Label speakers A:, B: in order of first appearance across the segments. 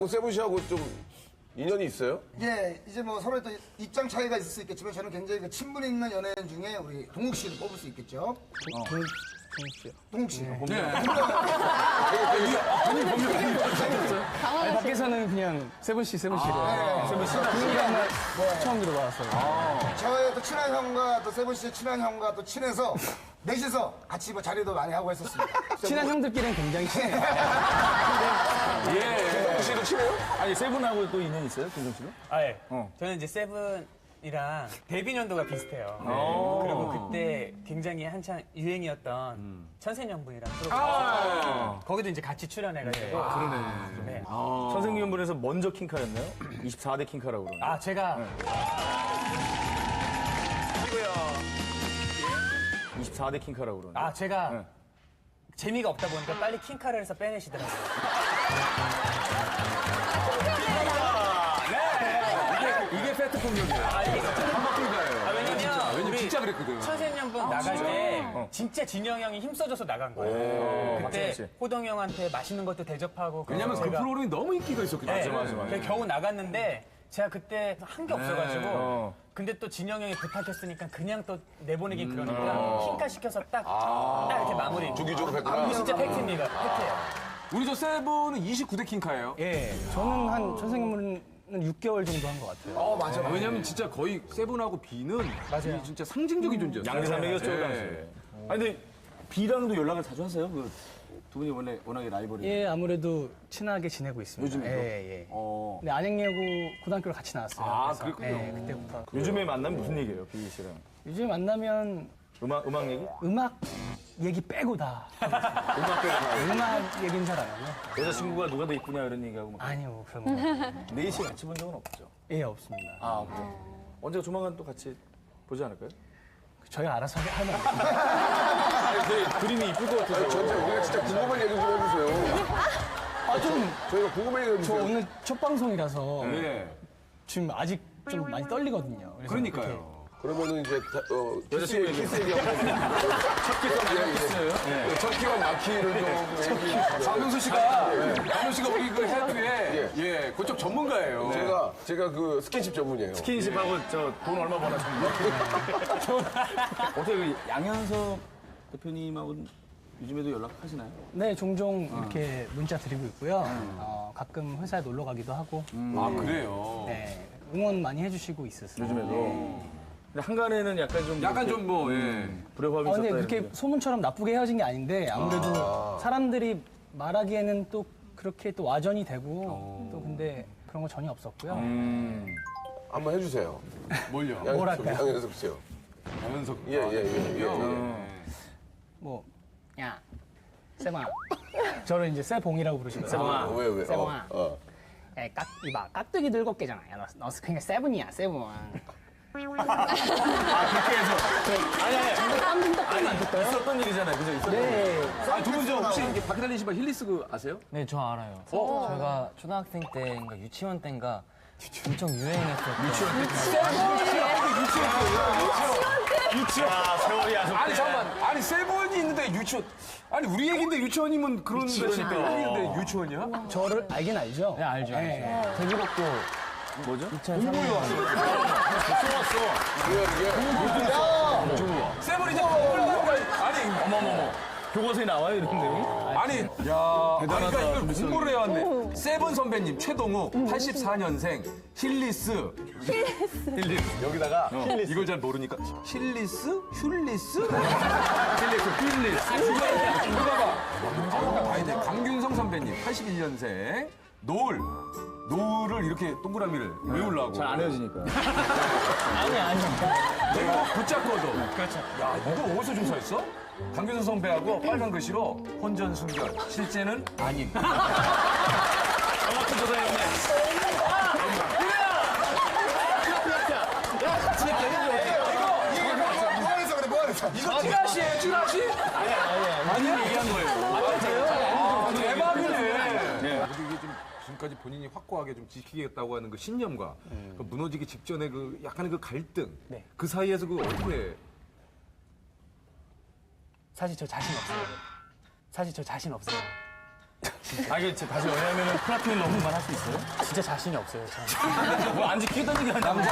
A: 세븐 씨하고 좀 인연이 있어요?
B: 예, 이제 뭐 서로 또 입장 차이가 있을 수 있겠지만 저는 굉장히 그 친분 있는 연예인 중에 우리 동욱 씨를 뽑을 수 있겠죠.
C: 동욱 씨요.
B: 동욱 씨.
C: 아니, 밖에서는 그냥 세븐 씨. 세븐 씨가 처음 들어봤어요.
B: 저의 또 친한 형과 또 세븐 씨의 친한 형과 또 친해서 넷이서 같이 뭐 자리도 많이 하고 했었습니다.
C: 친한 형들끼리는 굉장히 친해요.
A: 김동욱 씨도 친해요?
D: 아니 세븐하고 또 인연 있어요, 김성 씨는?
E: 아, 예. 저는 이제 세븐이랑 데뷔 연도가 비슷해요. 그리고 그때 굉장히 한창 유행이었던 천생연분이라는 프로그램. 거기도 이제 같이 출연해가지고. 네.
D: 선생님분에서 먼저 킹카였나요? 24대 킹카라고 그러는데.
E: 아, 제가
D: 24대 킹카라고 그러는데.
E: 아, 제가 재미가 없다 보니까 빨리 킹카를 해서 빼내시더라고요.
D: 이게 페트 폭력이에요.
E: 왜냐면
F: 진짜 그랬거든.
E: 천생연분 나갈 때 진짜 진영 형이 힘써줘서 나간 거예요. 그때
D: 맞지.
E: 호동 형한테 맛있는 것도 대접하고.
F: 왜냐면 그
E: 제가
F: 프로그램이 너무 인기가 있었거든.
E: 네,
D: 맞아.
E: 그래서 겨우 나갔는데 제가 그때 한 게 없어가지고 근데 또 진영 형이 부탁했으니까 그냥 또 내보내긴 그러니까 킹카 시켜서 딱 이렇게 마무리.
A: 주기적으로 했구나.
E: 진짜 팩트입니다. 팩트예요.
F: 우리 저 세븐은 29대 킹카예요.
C: 예, 저는 한 천생연분은 6개월 정도 한 것 같아요.
B: 맞아.
F: 왜냐면 진짜 거의 세븐하고 비는 맞아요. 진짜 상징적인 존재였어요.
D: 양대산맥이었죠,
F: 네.
D: 그 당시에. 아니, 근데 B랑도 연락을 자주 하세요? 두 분이 워낙에 라이벌이.
C: 예, 아무래도 친하게 지내고 있습니다.
F: 요즘에도?
C: 예.
F: 어.
C: 근데 안양예고 고등학교를 같이 나왔어요.
F: 아,
C: 그래서,
F: 그랬군요.
C: 예, 그때부터.
D: 요즘에 만나면 무슨 얘기예요, B 씨랑?
C: 요즘 만나면
D: 음악 얘기?
C: 음악 얘기 빼고 다. 음악 얘기는 잘 안 하고요.
D: 여자친구가 누가 더 이쁘냐 이런 얘기하고 막.
C: 아니요, 뭐 그런 거.
D: 넷이 같이 본 적은 없죠.
C: 예, 없습니다.
D: 아, 그래요? 언제가 조만간 또 같이 보지 않을까요?
C: 저희가 알아서 하면 안 돼요.
D: 아니, 근데 그림이 이쁠 것 같아서.
A: 전체 우리가 진짜 궁금한 얘기 좀 해주세요. 저희가 궁금한 얘기 좀
C: 저
A: 해주세요.
C: 오늘 첫 방송이라서
F: 네.
C: 지금 아직 좀 많이 떨리거든요. 그래서
F: 그러니까요.
A: 그러면은 이제
D: 여자친구 얘기.
A: 키스 얘기하고 첫 끼와 마키를 좀 얘기.
F: 박명수 씨가 우리 그 해외에 그쪽 전문가예요.
A: 제가 그 스킨십 전문이에요.
D: 스킨십하고 저 돈 얼마 버나 정도. 어떻게 그 양현석 대표님하고 요즘에도 연락하시나요?
C: 네, 종종 이렇게 문자 드리고 있고요. 가끔 회사에 놀러 가기도 하고,
F: 아, 그래요.
C: 네, 응원 많이 해주시고 있었어요.
D: 요즘에도. 근데 한간에는 약간 좀.
F: 약간 좀 뭐, 예.
D: 불협화음이 있었다.
C: 근데 그렇게
D: 이런데.
C: 소문처럼 나쁘게 헤어진 게 아닌데 아무래도 사람들이 말하기에는 또 그렇게 또 와전이 되고 또 근데 그런 거 전혀 없었고요.
A: 한번 해주세요.
F: 뭘요?
C: 뭐랄까요?
A: 양현석 씨요.
F: 양현석.
A: 예.
C: 뭐, 야, 세봉아. 저를 이제 세봉이라고 부르시거든요.
D: 세봉아.
A: 왜?
C: 세봉아. 야, 이봐, 깍두기 들고 깨잖아. 야, 너 그냥 세븐이야, 세븐.
D: 아니. 있었던 일이잖아요. 그죠? 있었던 일.
C: 네.
F: 두 분 저 혹시 이렇게 밖에 다니시면 힐리스 그 아세요?
G: 네, 저 알아요. 제가 초등학생 때인가 유치원 때인가 엄청 유행했었던
D: 아, 세월이 아쉽네.
F: 아니 잠깐만. 아니 세븐이 있는데 유치원. 아니 우리 얘기인데 유치원이면 그런 데니까. 얘기인데 유치원이야?
C: 저를 알긴 알죠?
G: 네, 알죠. 데뷔곡도
D: 뭐죠?
G: 2003년
F: 세븐이 이제 아니
D: 어머머머. 교과서에 나와요, 이런 내용이?
F: 아니 야 대단하다. 이걸 공부를 해왔네. 세븐 선배님 최동욱 84년생 힐리스. 여기다가 이걸 잘 모르니까 힐리스? 슐리스? 힐리스. 이거 봐봐. 봐야 돼. 강균성 선배님 81년생 노을을 이렇게 동그라미를 외우려고.
D: 잘 안 헤어지니까.
C: 아니.
F: 내가 붙잡고도. 그렇죠. 야, 이거 어디서 조사했어? 강균성 선배하고 빨간 글씨로 혼전 순결. 실제는 아닌.
D: 정확히 조사했네.
F: 이거 찌라시예요, 찌라시? 아니야? 얘기한 거예요. 대박이네. 이게 좀 지금까지 본인이 확고하게 좀 지키겠다고 하는 그 신념과 그 무너지기 직전에 그 약간의 그 갈등.
C: 네.
F: 그 사이에서 그 어떻게.
C: 사실 저 자신 없어요.
D: 이게 다시 연애하면 플라핑 러브만 할 수 있어요?
C: 진짜 자신이 없어요. 저는.
D: 뭐안 지키겠다는 게 아니라.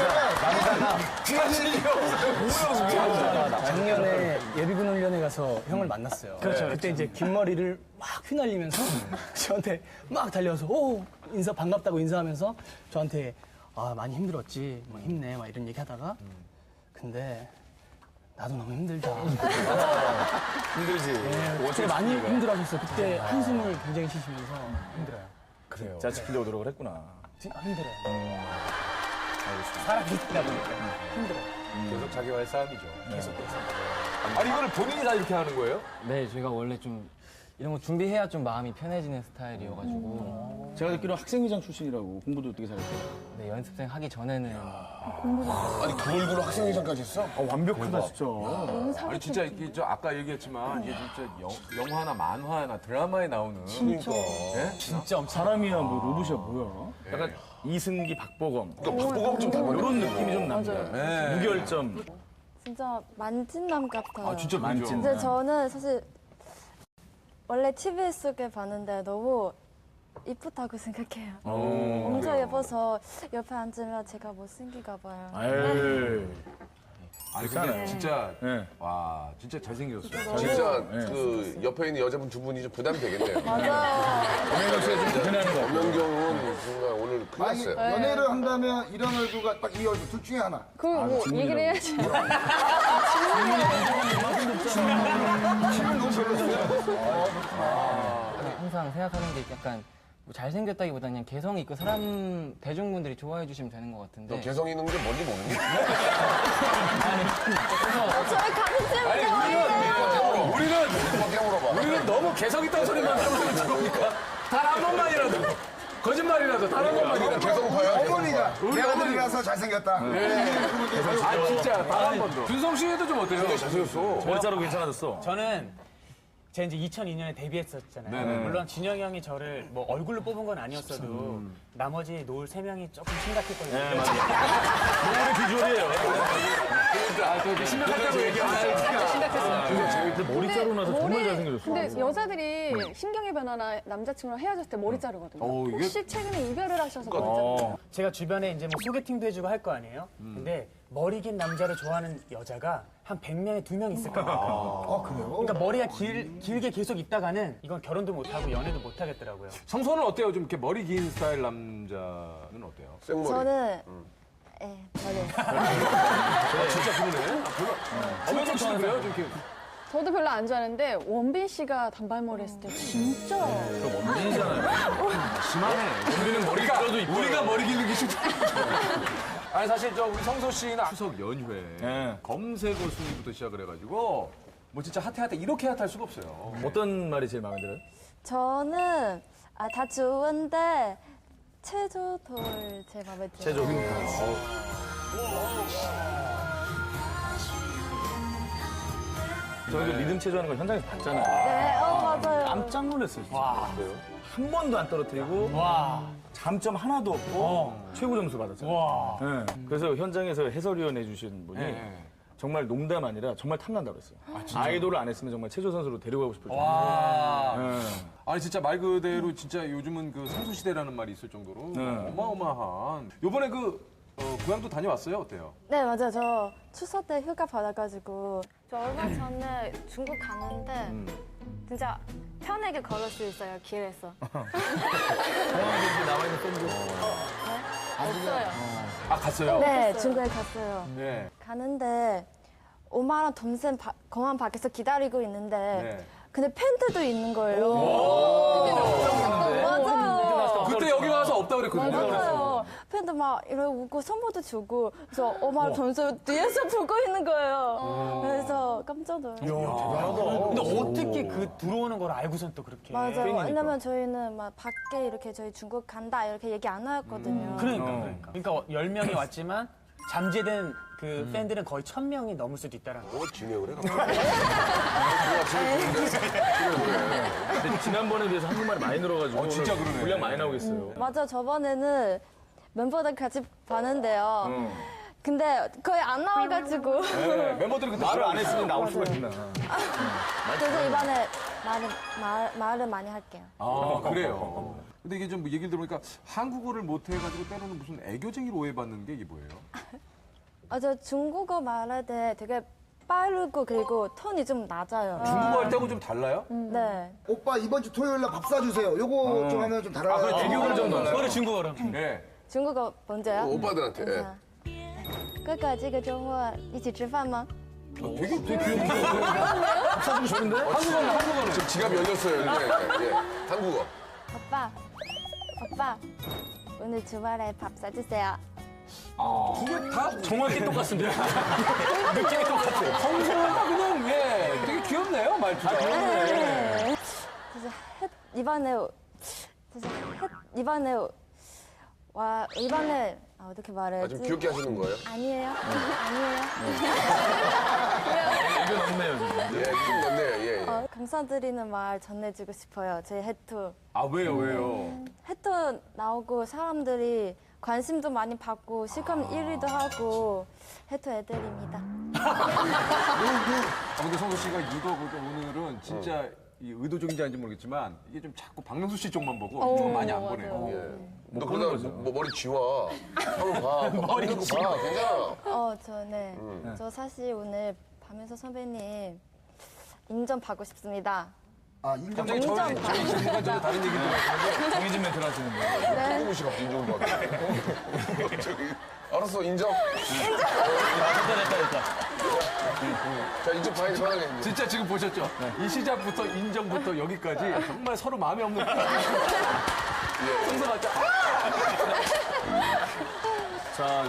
C: 작년에 예비군 훈련에 가서 형을 만났어요. 그렇죠. 그때 이제 긴 머리를 막 휘날리면서 저한테 막 달려와서 오 인사 반갑다고 인사하면서 저한테 아 많이 힘들었지, 막 힘내, 막 이런 얘기 하다가 근데 나도 너무 힘들다.
D: 힘들지.
C: 되게 많이 힘들어하셨어요. 그때 한숨을 굉장히 쉬시면서 힘들어요.
D: 그래요. 자, 지키려고 노력을 했구나.
C: 힘들어요. 살아있다 보니까 힘들어요.
F: 계속 자기와의 싸움이죠.
C: 계속해서.
F: 아니 이거를 본인이 다 이렇게 하는 거예요?
G: 네, 저희가 원래 좀 이런 거 준비해야 좀 마음이 편해지는 스타일이어가지고
D: 제가 듣기로 학생회장 출신이라고 공부도 되게 잘했어요.
G: 네, 연습생 하기 전에는
A: 아니 그 얼굴로 학생회장까지 했어?
D: 완벽하다, 진짜.
F: 아니 진짜 이게 저 아까 얘기했지만 이게 진짜 영화나 만화나 드라마에 나오는
A: 그러니까.
D: 진짜 사람이야, 뭐 로봇이야, 뭐야. 약간 이승기, 박보검.
A: 그러니까 박보검 좀 닮았네.
D: 이런 느낌이 좀 납니다.
F: 네.
D: 무결점.
H: 진짜 만찢남 같아요.
F: 아 진짜
D: 만찢.
F: 그죠?
H: 근데 저는 사실 원래 TV 속에 봤는데 너무 이쁘다고 생각해요. 엄청 예뻐서 옆에 앉으면 제가 못생기가 봐요.
D: 에이.
F: 아니 근데 진짜
D: 네.
F: 와 진짜 잘생겼어요.
A: 진짜 그 옆에 있는 여자분 두 분이 좀 부담이 되겠네요.
H: 맞아요.
A: 엄연경은 정말 오늘 큰일
B: 아니,
A: 났어요.
B: 연애를 한다면 이런 얼굴과 딱 이 얼굴 둘 중에 하나.
H: 그거 뭐 얘기를 해야죠.
B: 키는 너무 별로였어요.
G: 항상 생각하는 게 약간 뭐 잘생겼다기보다는 그냥 개성이 있고 사람 대중분들이 좋아해 주시면 되는 것 같은데.
A: 너 개성 있는 게 뭔지 모르니?
H: 저희 가족집이죠.
F: 우리는 너무 개성 있다는 소리만 하면서 들어오니까 단 한 번만이라도 거짓말이라도 단 한 번만이라도
A: 개성파야?
B: 어머니가 내 아들이라서 잘생겼다.
F: 아 진짜 단 한 번도. 준성 씨도 좀 어때요?
A: 잘생겼어.
D: 머리자로 괜찮아졌어.
E: 저는 제가 이제 2002년에 데뷔했었잖아요.
F: 네네.
E: 물론 진영이 형이 저를 뭐 얼굴로 뽑은 건 아니었어도 나머지 노을 3명이 조금 심각했거든요.
D: 네, 맞아요. 노래 비주얼이에요.
F: 아, 심각하다고 얘기하니까.
D: 근데 머리 자르고 나서 정말 잘생겨졌어.
I: 근데 여자들이 심경의 변화나 남자친구랑 헤어졌을 때 머리 자르거든요.
F: 이게-
I: 혹시 최근에 이별을 하셔서 머리 자르나요?
E: 제가 주변에 이제 뭐 소개팅도 해주고 할 거 아니에요? 근데 머리 긴 남자를 좋아하는 여자가 한 100명에 2명 있을 거예요.
B: 아, 그래요?
E: 그러니까 머리가 길게 계속 있다가는 이건 결혼도 못하고 연애도 못하겠더라고요.
F: 성소는 어때요? 좀 이렇게 머리 긴 스타일 남자는 어때요?
A: 생머리.
H: 저는 예, 저는
F: 진짜 그러네. 엄연경 씨는 그래요? 좀 이렇게.
I: 저도 별로 안 좋아하는데 원빈 씨가 단발머리 했을 때 진짜
F: 심하네. 우리는 머리 길어도 이뻐요. 우리가 머리 기는 게 쉽지. 아니 사실 저 우리 성소 씨는 추석 연휴에
D: 네.
F: 검색어 순위부터 시작을 해가지고 뭐 진짜 핫해 이렇게 핫할 수가 없어요.
D: 어떤 말이 제일 마음에 들어요?
H: 저는 다 좋은데 체조돌 제 마음에 들어요.
D: 제조. 저희도 리듬 체조하는 거 현장에서 봤잖아요.
H: 네, 맞아요.
D: 깜짝 놀랐어요. 진짜. 한 번도 안 떨어뜨리고 잠점 하나도 없고 최고 점수 받았잖아요. 네. 그래서 현장에서 해설위원 해주신 분이 정말 농담 아니라 정말 탐난다고 그랬어요. 아이돌을 안 했으면 정말 체조 선수로 데려가고 싶을 정도로.
F: 아니 진짜 말 그대로 진짜 요즘은 그 성소 시대라는 말이 있을 정도로 어마어마한. 요번에 고향도 다녀왔어요? 어때요?
H: 네, 맞아요. 저 추석 때 휴가 받아가지고 저 얼마 전에 중국 가는데 진짜 편하게 걸을 수 있어요, 길에서.
D: 나와 있는 팬들.
H: 없어요.
F: 아 갔어요?
H: 네, 중국에 갔어요.
F: 네.
H: 가는데 엄마랑 동생 공항 밖에서 기다리고 있는데
F: 네.
H: 근데 팬들도 있는 거예요. 맞아요.
F: 그때 여기 와서 없다 그랬거든요.
H: 맞아요. 팬들 막 이러고 웃고 선물도 주고 그래서 엄마 점수 뒤에서 보고 있는 거예요. 그래서 깜짝 놀랐어요.
E: 근데 어떻게 들어오는 걸 알고선 또 그렇게.
H: 맞아요. 왜냐면 저희는 막 밖에 이렇게 저희 중국 간다 이렇게 얘기 안 하였거든요.
E: 그러니까 10명이 왔지만 잠재된 그 팬들은 거의 1000명이 넘을 수도 있다라는 거.
A: 진행을 해.
D: 근데 지난번에 비해서 한국말이 많이 늘어가지고
F: 진짜
D: 오늘
F: 그러네.
D: 분량 많이 나오겠어요.
H: 맞아, 저번에는 멤버들 같이 봤는데요. 근데 거의 안 나와가지고.
F: 네, 멤버들이 그때
D: 말을 안 했으면 나올 수가 있나.
H: 그래서 이번에 말을 많이 할게요.
F: 아, 그래요. 근데 이게 좀 얘기를 들어보니까 한국어를 못해가지고 때로는 무슨 애교쟁이로 오해받는 게 이게 뭐예요?
H: 저 중국어 말할 때 되게 빠르고 그리고 톤이 좀 낮아요.
F: 중국어 할 때하고 좀 달라요?
H: 네.
B: 오빠 이번 주 토요일 날 밥 사주세요. 요거 좀 하면 좀 달아요.
F: 아, 그래, 애교를 좀 넣어요.
E: 그거를 중국어로.
F: 네.
H: 중국어 먼저요?
A: 오빠들한테. 예.
H: 哥哥这个周末一起吃饭吗?
F: 되게 귀엽네.
C: 사주고 좋은데?
F: 한국어는.
A: 지금 지갑 열렸어요. 예, 예. 한국어.
H: 오빠 오늘 주말에 밥 사주세요.
F: 그게 다
D: 정확히 똑같습니다.
F: 느낌이 똑같아요. 성소가 그냥, 예, 되게 귀엽네요, 말투가.
H: 그래서 이번에 어떻게 말해야지?
A: 좀 귀엽게 하시는 거예요?
H: 아니에요.
D: 이거 없네요, 지금.
A: 예, 좀 넣네요. 예, 예.
H: 감사드리는 말 전해주고 싶어요. 제 해투.
F: 아, 왜요?
H: 해투 나오고 사람들이 관심도 많이 받고 실컷 1위도 하고 해투 애들입니다.
F: 근데 성소 씨가 이거 오늘은 진짜 이 의도적인지 아닌지 모르겠지만 이게 좀 자꾸 박명수 씨 쪽만 보고 좀 많이 안 보내요.
A: 예. 너 그러다 뭐 머리 지워. 한번 봐. 머리 지워. 봐. 괜찮아.
H: 저 사실 오늘 박명수 선배님 인정 받고 싶습니다.
B: 아, 인정.
F: 갑자기 저희 질문과 전혀 다른 얘기 들었는데
D: 정해진 멘트를 하시는 거예요.
A: 홍우 씨가 인정을 받아. 저기, 알았어, 인정.
D: 됐다.
A: 자, 이쪽 봐야 돼, 편하게. 이제.
F: 진짜 지금 보셨죠? 이 시작부터 인정부터 여기까지 정말 서로 마음에 없는 성소 맞죠?
D: 자,